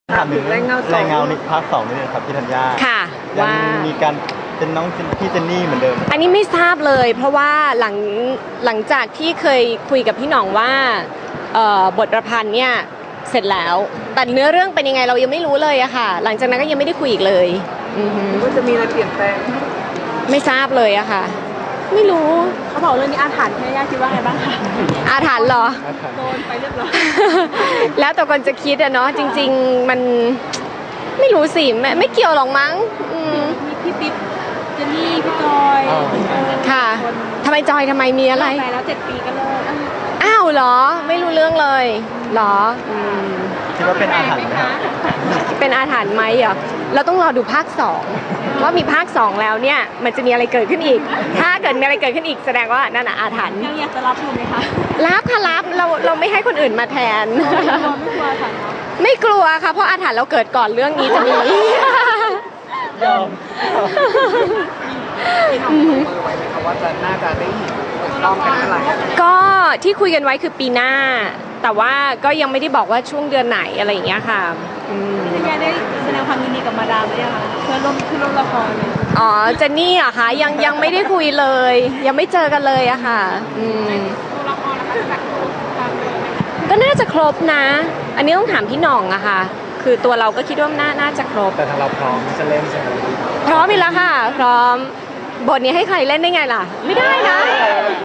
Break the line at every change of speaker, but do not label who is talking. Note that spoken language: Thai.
ถามถึงแรงเงาในภาค2นิดนึงครับพี่ธัญญา
ค่ะ
ยังมีการเป็นน้องพี่เจนนี่เหมือนเดิม
อันนี้ไม่ทราบเลยเพราะว่าหลังจากที่เคยคุยกับพี่หน่องว่าบทประพันธ์เนี่ยเสร็จแล้วแต่เนื้อเรื่องเป็นยังไงเรายังไม่รู้เลยอะค่ะหลังจากนั้นก็ยังไม่ได้คุยอีกเลย
ว่าจะมีอะไรเปลี่ยนแปลง
ไม่ทราบเลยอะค่ะไม่รู้
เขาบอกเรื่องนี้อาถรรพ์แม่ย่าคิดว่าไงบ้างคะ
อาถรรพ์เหรอ
โดนไปเรียบร้อย
แล้วแต่คนจะคิดอะเนาะจริงๆมันไม่รู้สิไม่เกี่ยวหรอกมั้ง
มีพี่ปิ๊บเจนนี่พี่จอย
ค่ะทำไมจอยทำไมมีอะไร
ไปแล้ว7 ปีก็เลิก
อ้าวเหรอไม่รู้เรื่องเลยเหรอ
คิดว่าเป็นอาถรรพ์ไหมครับ
เป็นอาถรรพ์ไหมเหรอเราต้องรอดูภาค2ว่ามีภาค2แล้วเนี่ยมันจะมีอะไรเกิดขึ้นอีกถ้าเกิดมีอะไรเกิดขึ้นอีกแสดงว่านั่นอาถรรพ์
ยังอยากจะรับอยู่ไหมคะ
รับค่ะรับเราไม่ให้คนอื่นมาแทน
ไม่กลัวค่ะ
ไม่กลัวค่ะเพราะอาถรรพ์เราเกิดก่อนเรื่องนี้จะมี
ยอม
พี่น้องมือไว้ไหมคะว่าจะน่าจะได้เห็นต้องกันเมื่อไหร่
ก็ที่คุยกันไว้คือปีหน้าแต่ว่าก็ยังไม่ได้บอกว่าช่วงเดือนไหนอะไรอย่างเงี้ยค่ะ
พี่ธัญญาได้แสดงความยินดีกับมาดามหรือยังคะเพื่อร่วมละครเลย
อ๋อเจนนี่อะค่ะยังไม่ได้คุยเลยยังไม่เจอกันเลยอะค่ะ
ตัวละครนะคะจากความเลย
ก็น่าจะครบนะอันนี้ต้องถามพี่หน่องอะค่ะคือตัวเราก็คิดว่าน่าจะครบ
แต่ทางเราพร้อมจะเล่นใช่ไหม
พร้อมอีกแล้วค่ะพร้อมบทนี้ให้ใครเล่นได้ไงล่ะไม่ได้นะ